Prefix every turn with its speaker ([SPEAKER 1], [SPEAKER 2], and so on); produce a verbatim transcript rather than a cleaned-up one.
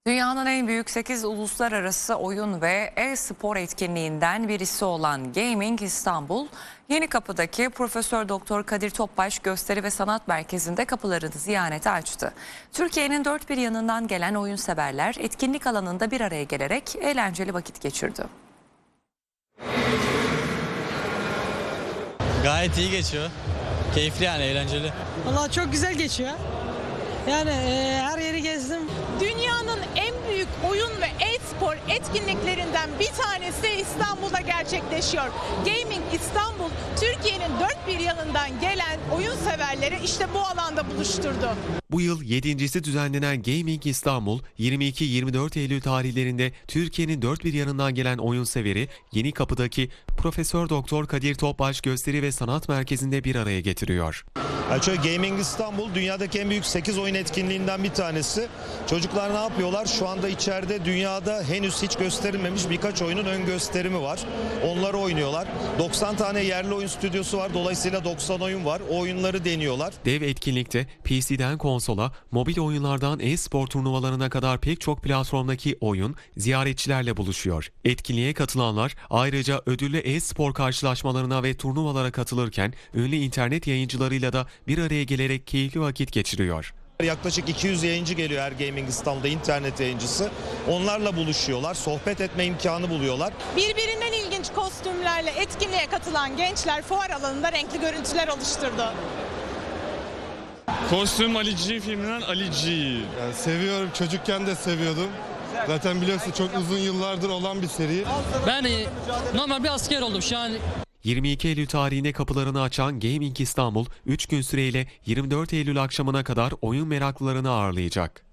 [SPEAKER 1] Dünyanın en büyük sekiz uluslararası oyun ve e-spor etkinliğinden birisi olan Gaming İstanbul, Yenikapı'daki Profesör Doktor Kadir Topbaş Gösteri ve Sanat Merkezi'nde kapılarını ziyarete açtı. Türkiye'nin dört bir yanından gelen oyun severler etkinlik alanında bir araya gelerek eğlenceli vakit geçirdi.
[SPEAKER 2] Gayet iyi geçiyor. Keyifli yani, eğlenceli.
[SPEAKER 3] Vallahi çok güzel geçiyor. Yani e, her yeri gezdim.
[SPEAKER 4] Dünyanın en büyük oyun ve e-spor etkinliklerinden bir tanesi İstanbul'da gerçekleşiyor. Gaming İstanbul, Türkiye'nin dört bir yanından gelen oyun severleri işte bu alanda buluşturdu.
[SPEAKER 5] Bu yıl yedincisi düzenlenen Gaming İstanbul, yirmi iki yirmi dört Eylül tarihlerinde Türkiye'nin dört bir yanından gelen oyun severi Yenikapı'daki Profesör Doktor Kadir Topbaş Gösteri ve Sanat Merkezi'nde bir araya getiriyor.
[SPEAKER 6] Yani şöyle, Gaming İstanbul dünyadaki en büyük sekiz oyun etkinliğinden bir tanesi. Çocuklar ne yapıyorlar? Şu anda içeride dünyada henüz hiç gösterilmemiş birkaç oyunun ön gösterimi var. Onları oynuyorlar. doksan tane yerli oyun stüdyosu var. Dolayısıyla doksan oyun var. O oyunları deniyorlar.
[SPEAKER 5] Dev etkinlikte P C'den konsola, mobil oyunlardan e-spor turnuvalarına kadar pek çok platformdaki oyun ziyaretçilerle buluşuyor. Etkinliğe katılanlar ayrıca ödüllü e-spor karşılaşmalarına ve turnuvalara katılırken ünlü internet yayıncılarıyla da bir araya gelerek keyifli vakit geçiriyor.
[SPEAKER 6] Yaklaşık iki yüz yayıncı geliyor her Gaming İstanbul'da, internet yayıncısı. Onlarla buluşuyorlar, sohbet etme imkanı buluyorlar.
[SPEAKER 4] Birbirinden ilginç kostümlerle etkinliğe katılan gençler fuar alanında renkli görüntüler oluşturdu.
[SPEAKER 7] Kostüm Ali G filminden Ali G.
[SPEAKER 8] Yani seviyorum, çocukken de seviyordum. Zaten biliyorsun çok uzun yıllardır olan bir seri.
[SPEAKER 9] Ben e, normal bir asker oldum şu an.
[SPEAKER 5] yirmi iki Eylül tarihinde kapılarını açan Gaming İstanbul, üç gün süreyle yirmi dört Eylül akşamına kadar oyun meraklılarını ağırlayacak.